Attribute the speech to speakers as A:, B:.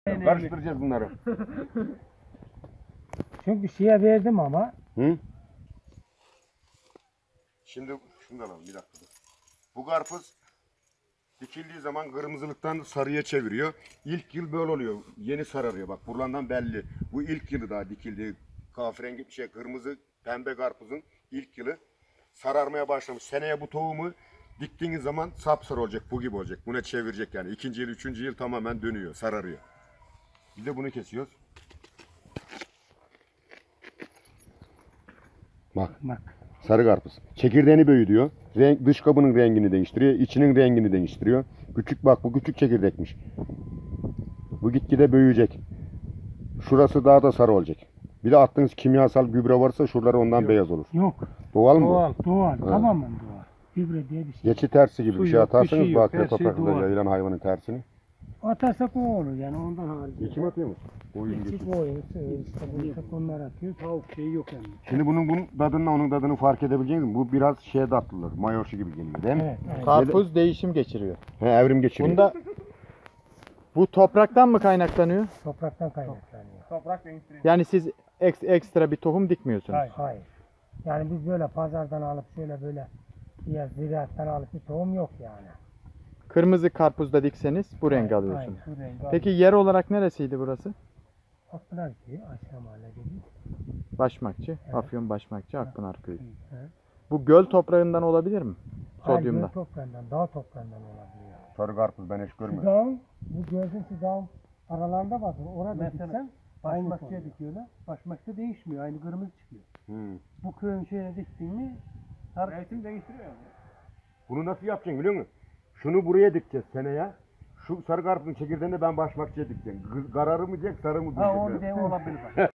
A: Karıştıracağız bunları.
B: Çünkü şeye verdim ama.
A: Hı? Şimdi şunu da alalım bir dakika. Bu karpuz dikildiği zaman kırmızılıktan sarıya çeviriyor. İlk yıl böyle oluyor. Yeni sararıyor. Bak buradan belli. Bu ilk yılı daha dikildiği kahverengi kırmızı pembe karpuzun ilk yılı sararmaya başlamış. Seneye bu tohumu diktiğiniz zaman sapsarı olacak. Bu gibi olacak. Buna çevirecek yani. İkinci yıl, üçüncü yıl tamamen dönüyor. Sararıyor. Bir de bunu kesiyoruz. Bak. Sarı karpuz. Çekirdeğini büyütüyor. Dış kabının rengini değiştiriyor. İçinin rengini değiştiriyor. Küçük bak bu küçük çekirdekmiş. Bu gitgide büyüyecek. Şurası daha da sarı olacak. Bir de attığınız kimyasal gübre varsa şuraları ondan
B: Yok.
A: beyaz olur.
B: Yok.
A: Doğal mı
B: Doğal. Tamamen doğal. Gübre diye bir şey.
A: Geçi tersi gibi
B: Su
A: bir şey
B: yok, bir
A: atarsanız
B: şey yok.
A: bakire
B: Her şey
A: topraklarda
B: doğal.
A: yayılan hayvanın tersini.
B: Atarsak o olur yani ondan harici.
A: Geçim atıyor musun? Oyun geçim.
B: Küçük oyun, işte bu onlar atıyor. Tavuk şeyi yok yani.
A: Şimdi bunun tadını onun tadını fark edebileceksiniz. Bu biraz şeye tatlılar. Mayoşu gibi geliyor değil mi?
B: Evet. Evet.
C: Karpuz değişim geçiriyor.
A: He, evrim geçiriyor.
C: Bunda bu topraktan mı kaynaklanıyor?
B: Topraktan kaynaklanıyor.
D: Toprak değiştiriyor.
C: Yani siz ekstra bir tohum dikmiyorsunuz.
B: Hayır. Yani biz böyle pazardan alıp şöyle böyle ya ziraattan alıp bir tohum yok yani.
C: Kırmızı karpuzda dikseniz bu rengi alıyorsunuz.
B: Aynen. Bu rengi
C: Peki yer olarak neresiydi burası?
B: Akpınar köyü aşağı mahalle dedi.
C: Başmakçı, Afyon Başmakçı, Akpınar Köyü.
B: Evet.
C: Bu göl toprağından olabilir mi? Sodyumda.
B: Hayır, toprağından, dağ toprağından olabiliyor.
A: Sarı karpuz ben hiç görmedim.
B: Dağın, bu gördüğün şu dağın aralarında bakın. Orada
D: Mesela
B: diksen
D: Başmakçıya dikiyorlar. Başmakçı değişmiyor. Aynı kırmızı çıkıyor. Bu köyün şeyine diktin mi mevsim değiştiriyor yani.
A: Bunu nasıl yapacaksın biliyor musun? Şunu buraya dikeceğiz seneye. Şu sarı karpuzun çekirdeğini ben başmakçıya dikeceğim. Kararı mı diyecek, sarı mı diyecek?
D: Ha o bir de olabilir bak.